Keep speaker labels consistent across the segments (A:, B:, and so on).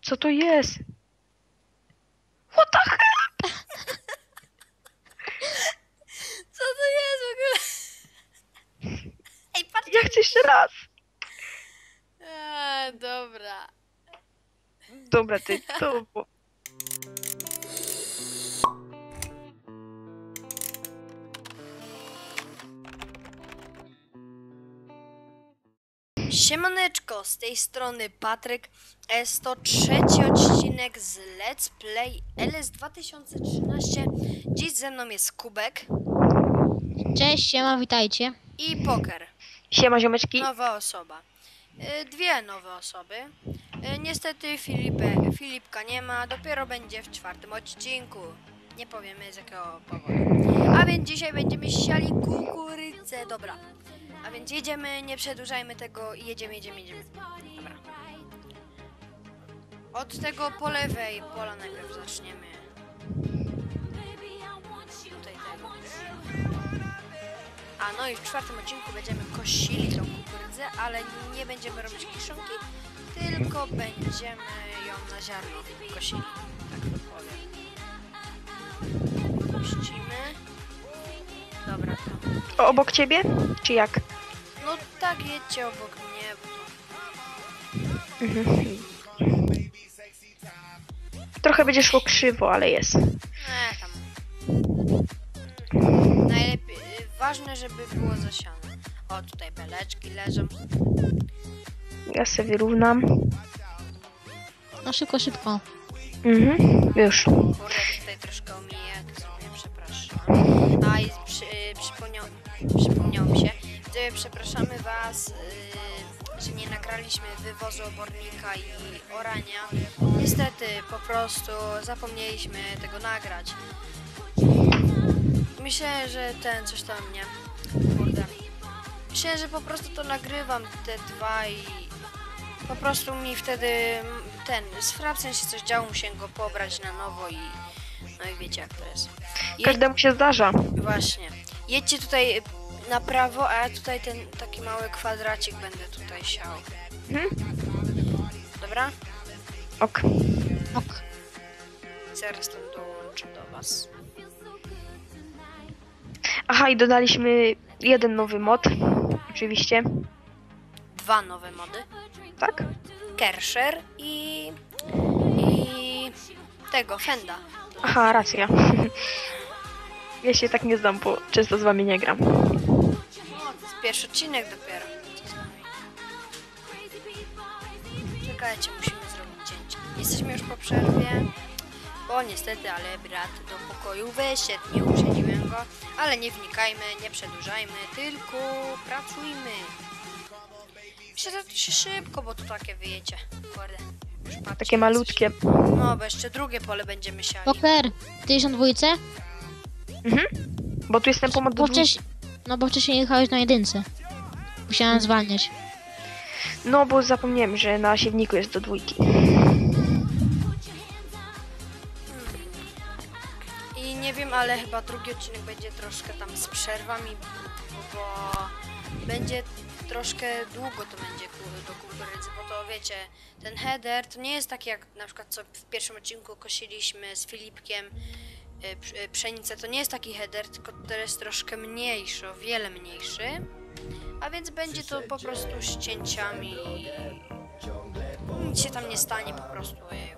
A: Co to jest? What the hell?
B: Co to jest w ogóle? Ej, patrz!
A: Ja chcę jeszcze raz.
B: Dobra.
A: Dobra, ty, to...
B: Siemaneczko, z tej strony Patryk. Jest to trzeci odcinek z Let's Play LS 2013. Dziś ze mną jest Kubek
C: Cześć, siema, witajcie.
B: i Poker.
A: Siema, ziomeczki.
B: Nowa osoba. Dwie nowe osoby. Niestety Filipka nie ma, dopiero będzie w czwartym odcinku. Nie powiemy z jakiego powodu. A więc dzisiaj będziemy siali kukurydzę. Dobra. A więc jedziemy, nie przedłużajmy tego i jedziemy. Dobra. Od tego po lewej pola najpierw zaczniemy. Tutaj tego. A no i w czwartym odcinku będziemy kosili tą kukurydzę, ale nie będziemy robić kiszonki, tylko będziemy ją na ziarno kosili. Tak to powiem. Puścimy. Dobra, to.
A: Obok ciebie? Czy jak?
B: No tak, jedźcie obok mnie, bo to...
A: Mhm. Trochę będzie szło krzywo, ale jest.
B: tam. Najlepiej, ważne, żeby było zasiane. O, tutaj beleczki leżą.
A: Ja sobie wyrównam.
C: No szybko, szybko.
A: Mhm, już.
B: Kurde, tutaj troszkę omiję, to sobie przepraszam. A i przypomniało mi się, że przepraszamy was, że nie nagraliśmy wywozu obornika i orania. Niestety, po prostu zapomnieliśmy tego nagrać. Myślę, że coś tam, nie? Kurde. Myślę, że po prostu to nagrywam te dwa i po prostu mi wtedy z frapsem się coś działo, musiałem go pobrać na nowo i no i wiecie jak to jest.
A: Każdemu się zdarza.
B: Właśnie. Jedźcie tutaj na prawo, a ja tutaj ten taki mały kwadracik będę tutaj siał.
A: Mhm.
B: Dobra?
A: Ok.
C: Ok.
B: Zaraz tam dołączę do was.
A: Aha, i dodaliśmy jeden nowy mod. Oczywiście.
B: Dwa nowe mody.
A: Tak?
B: Kersher i tego, Fenda.
A: Aha, racja. Ja się tak nie znam, bo często z wami nie gram.
B: No, to jest pierwszy odcinek dopiero. Co z nami? Czekajcie, musimy zrobić cięcie. Jesteśmy już po przerwie. Bo niestety, ale brat do pokoju wyszedł. Nie uprzedziłem go. Ale nie wnikajmy, nie przedłużajmy, tylko pracujmy. Myślę, że to się szybko, bo to takie wyjecie. Kurde. Już patrzę,
A: Takie malutkie.
B: No, bo jeszcze drugie pole będziemy siali.
C: Poker, ty już na dwójce?
A: Mhm. Bo tu jestem pomoc do
C: Bo
A: dwóch.
C: bo wcześniej jechałeś na jedynce. Musiałem zwalniać.
A: No, bo zapomniałem, że na siewniku jest do dwójki.
B: I nie wiem, ale chyba drugi odcinek będzie troszkę tam z przerwami, bo będzie troszkę długo to będzie do kukurydzy, bo to wiecie, ten header to nie jest taki jak na przykład co w pierwszym odcinku kosiliśmy z Filipkiem pszenicę, to nie jest taki header, tylko to jest troszkę mniejszy, o wiele mniejszy, a więc będzie to po prostu z cięciami i nic się tam nie stanie po prostu.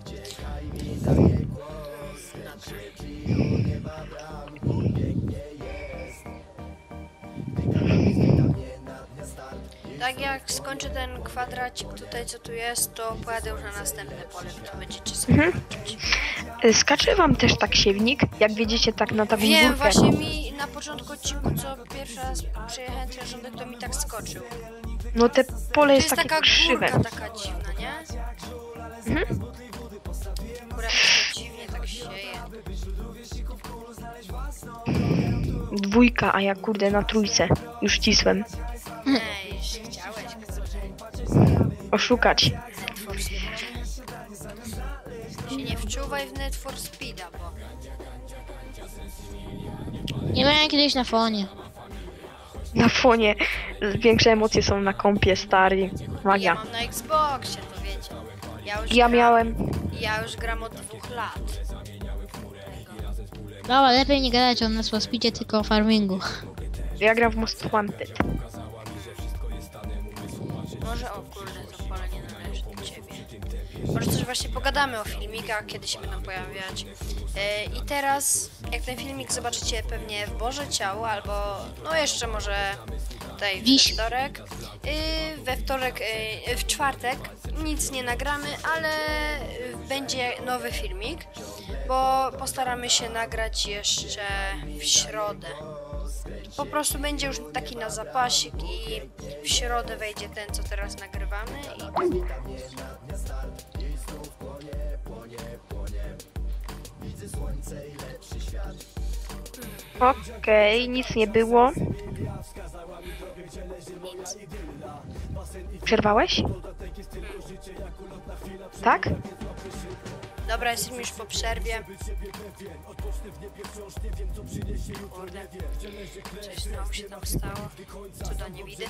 B: Tak jak skończę ten kwadracik tutaj, co tu jest, to pojadę już na następne pole, to będziecie sobie zobaczyć.
A: Skacze wam też tak siewnik? Jak widzicie, tak na taką
B: Wiem,
A: górkę.
B: właśnie mi na początku odcinku, co pierwszy raz przejechałem ten rządek, to mi tak skoczył.
A: No te pole
B: To
A: jest
B: jest
A: takie
B: taka
A: krzywe.
B: górka taka dziwna, nie?
A: Mhm.
B: Akurat to dziwnie tak sieje.
A: Dwójka, a ja kurde na trójce. Już cisłem.
B: Ej, chciałeś
A: Oszukać.
B: Need for Speed. Się nie wczuwaj w Need for Speeda, bo
C: Nie miałem kiedyś na fonie.
A: Na fonie większe emocje są na kompie, stary.
B: ja
A: Magia.
B: mam na Xboxie, to wiecie. Ja już gram od 2 lat.
C: Dobra, lepiej nie gadać o nas o speedzie, tylko o farmingu.
A: Ja gram w Most Wanted.
B: Może, o kurde, to pole nie należy do ciebie. Może też właśnie pogadamy o filmikach, kiedy się będą pojawiać. I teraz, jak ten filmik zobaczycie pewnie w Boże Ciało, albo no jeszcze może tutaj
C: Dziś.
B: we wtorek, w czwartek nic nie nagramy, ale będzie nowy filmik, bo postaramy się nagrać jeszcze w środę. Po prostu będzie już taki na zapasik i w środę wejdzie ten, co teraz nagrywamy.
A: Okej, nic nie było. Przerwałeś? Tak?
B: Dobra, jesteśmy już po przerwie. Kurde, coś znowu się tam stało. Cuda nie widzę.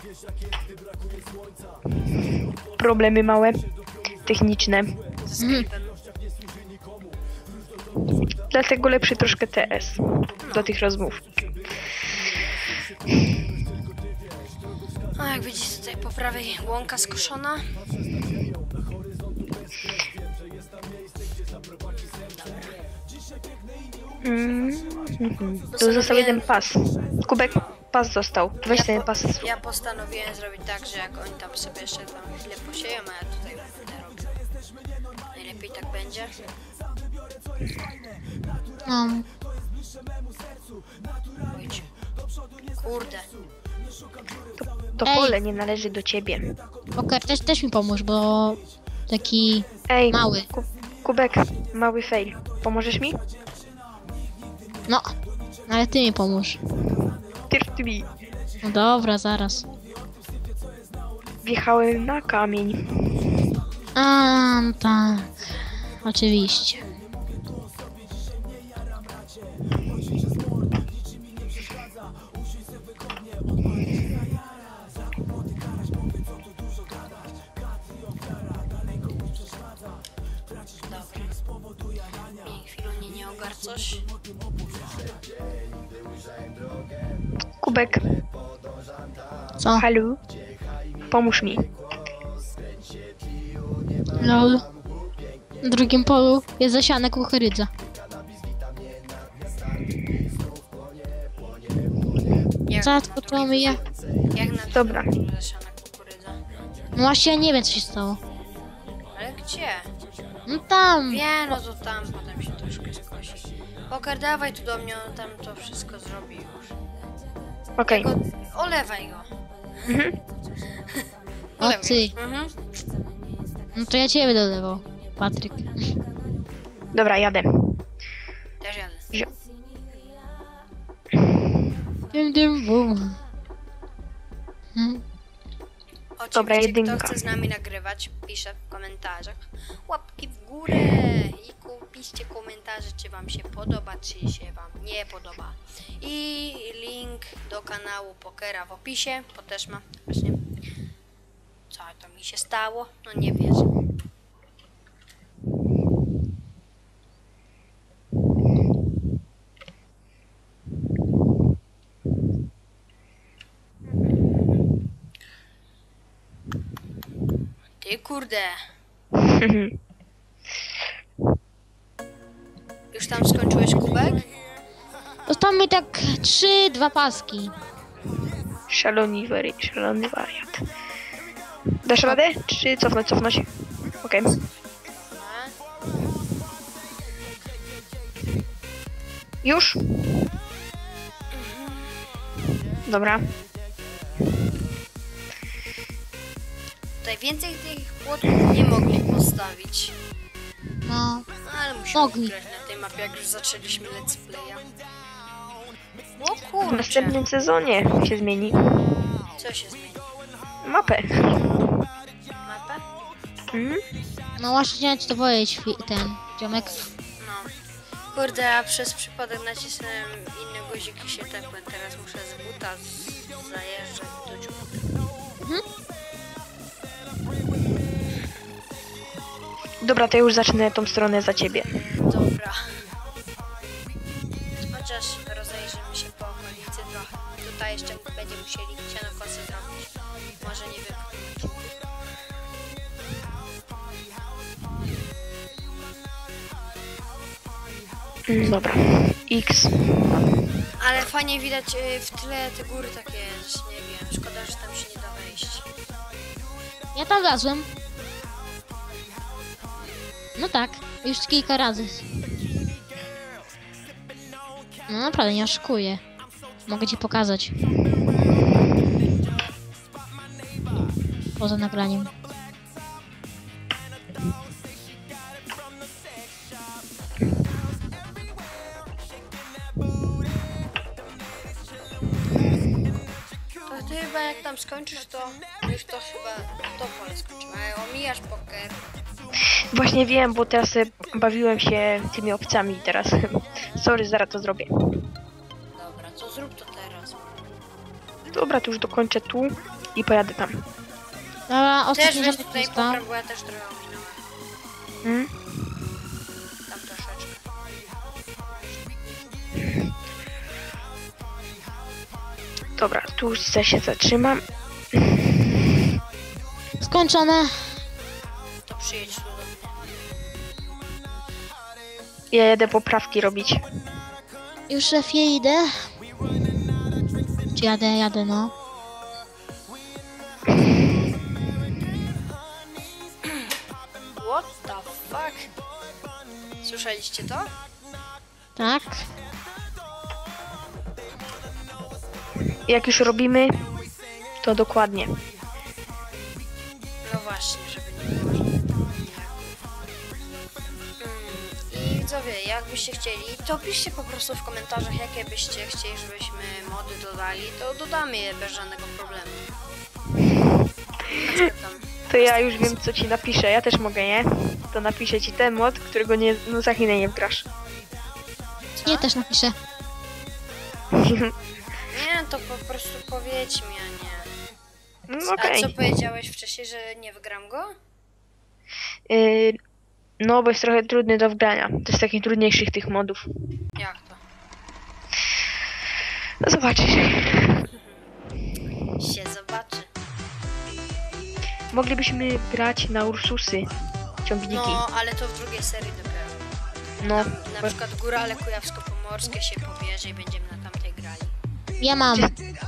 A: Problemy małe, techniczne.
B: Ze sklepem.
A: Dlatego lepszy troszkę TS do tych rozmów.
B: A jak widzicie tutaj po prawej łąka skoszona.
A: Tu został jeden pas. Kubek, pas został. Weź ten pas.
B: Ja postanowiłem zrobić tak, że jak oni tam sobie jeszcze tam chwilę posieją, a ja tutaj będę robił. Najlepiej tak będzie.
C: No,
B: Ojcie. Kurde.
A: To
C: Ej.
A: pole nie należy do ciebie.
C: Poker, też mi pomóż, bo taki
A: Ej,
C: mały.
A: Kubek, mały fail. Pomożesz mi?
C: No, ale ty mi pomóż.
A: Ty.
C: No dobra, zaraz.
A: Wjechałem na kamień.
C: A, no tak. Oczywiście.
B: Miej chwilę, nie ogar coś.
A: Kubek,
C: Co?
A: halo? Pomóż mi.
C: Lol. Na drugim polu jest zasiane kukurydza. Zaskoczyło je.
B: Jak na
A: Dobra.
B: zasiana kukurydza.
C: No właśnie ja nie wiem co się stało.
B: Ale gdzie?
C: No tam.
B: Wie, no to tam potem się troszkę skosi. Poker, dawaj tu do mnie, on tam to wszystko zrobi już.
A: Okej.
B: Olewaj go.
C: O
B: Olewaj.
C: ty.
B: Mhm.
C: No to ja ciebie dolewał, Patryk.
A: Dobra, jadę.
B: Też jadę.
C: Dim, bum.
A: Dobra,
B: Oczywiście,
A: jedynka.
B: kto chce z nami nagrywać, pisze w komentarzach. Łapki w górę i piszcie komentarze, czy wam się podoba, czy się wam nie podoba. I link do kanału Pokera w opisie, bo też ma właśnie. Co to mi się stało? No nie wierzę. Ty kurde. Już tam skończyłeś kubek?
C: Został mi tak 2 paski.
A: Szalony wariat. Dasz radę? Czy cofnąć? Okej. Już? Dobra.
B: Tutaj więcej tych płotków nie mogli postawić.
C: No,
B: Ale musimy
C: Mogli.
B: grać na tej mapie, jak już zaczęliśmy let's playa. O
A: W
B: kurczę.
A: następnym sezonie się zmieni.
B: Co się zmieni?
A: Mapę.
B: Mapę?
C: no właśnie chciałem ci to powiedzieć, ten ziomek.
B: No. Kurde, a przez przypadek nacisnąłem inne guziki się tepłem. Teraz muszę z buta zajeżdżać do dziury.
A: Dobra, to ja już zacznę tą stronę za ciebie.
B: Dobra. Chociaż rozejrzymy się po okolicy trochę. Tutaj jeszcze będziemy musieli sianokosy zrobić. Może nie wiem.
A: Dobra. X.
B: Ale fajnie widać w tle te góry takie, nie wiem. Szkoda, że tam się nie da wejść.
C: Ja tam wlazłem. No tak, już kilka razy. No naprawdę, nie oszukuję. Mogę ci pokazać. Poza nagraniem.
B: To ty chyba jak tam skończysz, to już to chyba to pole skończymy. Ale omijasz poker.
A: Właśnie wiem, bo teraz bawiłem się tymi owcami teraz. Sorry, zaraz to zrobię.
B: Dobra, to zrób to teraz.
A: Dobra, to już dokończę tu i pojadę tam.
C: Dobra,
B: Też
C: ostatni
B: weź
C: zamek
B: tutaj
C: został.
B: poker, bo ja też trochę ominąłem.
A: Mm?
B: Tam troszeczkę.
A: Dobra, tu się zatrzymam.
C: Skończone.
B: To przyjedź tu do mnie.
A: Ja jedę poprawki robić.
C: Już szefie idę. Czy jadę, no.
B: What the fuck? Słyszeliście to?
C: Tak.
A: Jak już robimy, to dokładnie.
B: No właśnie, żeby nie było żadnych I widzowie, jakbyście chcieli, to piszcie po prostu w komentarzach, jakie byście chcieli, żebyśmy mody dodali, to dodamy je bez żadnego problemu. A co tam?
A: To ja już wiem, co ci napiszę. Ja też mogę, nie? To napiszę ci ten mod, którego nie, no za chwilę nie wgrasz.
B: Co?
C: Ja też napiszę.
B: Nie, to po prostu powiedz mi, a nie.
A: No okej.
B: A co powiedziałeś wcześniej, że nie wygram go?
A: No, bo jest trochę trudny do wgrania. To jest z takich trudniejszych tych modów.
B: Jak to?
A: No zobaczysz.
B: Się zobaczy.
A: Moglibyśmy grać na Ursusy. Ciągniki.
B: No, ale to w drugiej serii dopiero.
A: No.
B: Na przykład Górale Kujawsko-Pomorskie się pobierze i będziemy na tamtej grali.
C: Ja mam.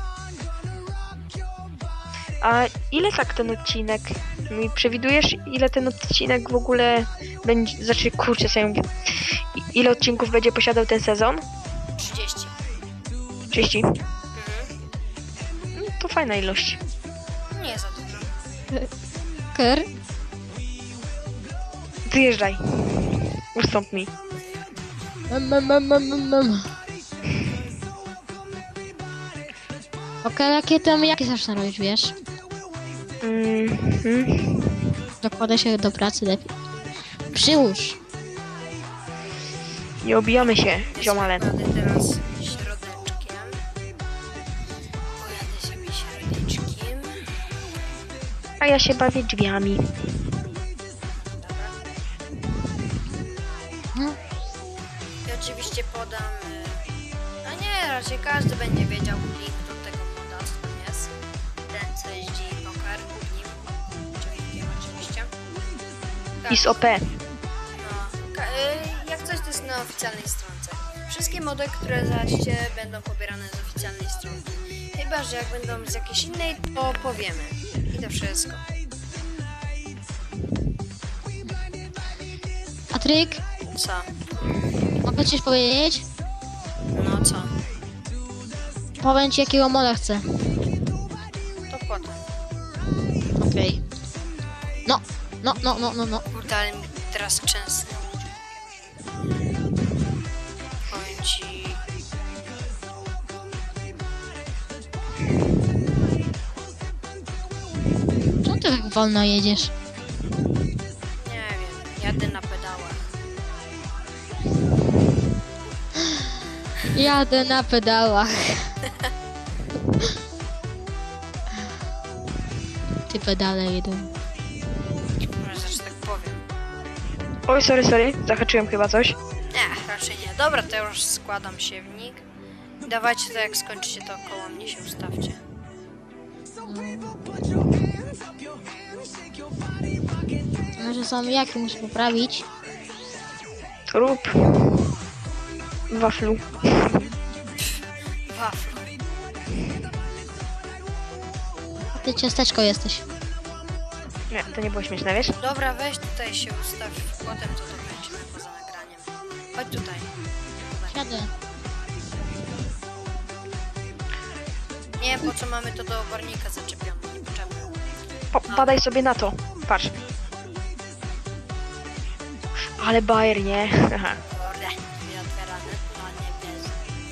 A: A ile tak ten odcinek? Mi przewidujesz, ile ten odcinek w ogóle będzie... Znaczy, kurczę, sobie mówię. Ile odcinków będzie posiadał ten sezon?
B: 30.
A: 30.
B: Mhm.
A: No, to fajna ilość.
B: Nie za dużo.
C: Ker.
A: Wyjeżdżaj. Ustąp mi.
C: Okej, jakie zaczyna robić, wiesz? Dokładaj się do pracy lepiej. Przyłóż.
A: Nie obijamy się, ziomale.
B: Jadę teraz środeczkiem. Pojadę sobie środeczkiem.
A: A ja się bawię drzwiami.
B: Dobra.
C: No.
B: I oczywiście podam... A nie, raczej każdy będzie wiedział link do tego moda, co tam jest. Ten, co jeździ poker, nim. Ciągnikiem oczywiście.
A: I z OP.
B: No, jak coś to jest na oficjalnej stronce. Wszystkie mody, które zobaczycie, będą pobierane z oficjalnej strony. Chyba że jak będą z jakiejś innej, to powiemy. I to wszystko.
C: Patryk,
B: Co?
C: mogę coś powiedzieć?
B: No co?
C: Powiem ci, jakiego moda chcę.
B: To potem.
C: Okej. No.
B: Kurde, ale mi teraz często. Powiem ci...
C: Czemu ty tak wolno jedziesz?
B: Nie wiem, jadę na pedałach.
C: Jadę na pedałach. Ty pedale jedą.
B: Może że tak powiem.
A: Oj, sorry, zahaczyłem chyba coś.
B: Nie, raczej nie. Dobra, to już składam siewnik. Dawajcie to, jak skończycie, to koło mnie się ustawcie.
C: Może są jakie muszę poprawić.
A: Rób. Waflu.
B: Waflu.
C: A ty ciasteczko jesteś.
A: Nie, to nie było śmieszne, wiesz?
B: Dobra, weź tutaj się ustaw, potem to dokończymy poza nagraniem. Chodź tutaj.
C: Siadę.
B: Nie, po co mamy to do obornika zaczepione, niepotrzebne.
A: Padaj sobie na to. Patrz. Ale bajer, nie? Aha.
B: Kurde, drzwi otwierane, no nie wierzę.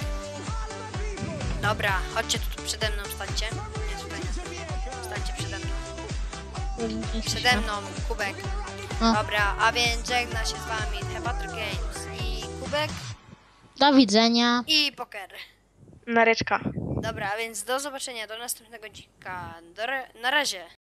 B: Dobra, chodźcie tu przede mną, stańcie. Nie, tutaj nie. Stańcie przede mną. Przede mną, Kubek.
C: No.
B: Dobra, a więc żegna się z wami Hebatr Games i Kubek
C: Do widzenia.
B: i Poker.
A: Nareczka.
B: Dobra, a więc do zobaczenia, do następnego odcinka. Na razie.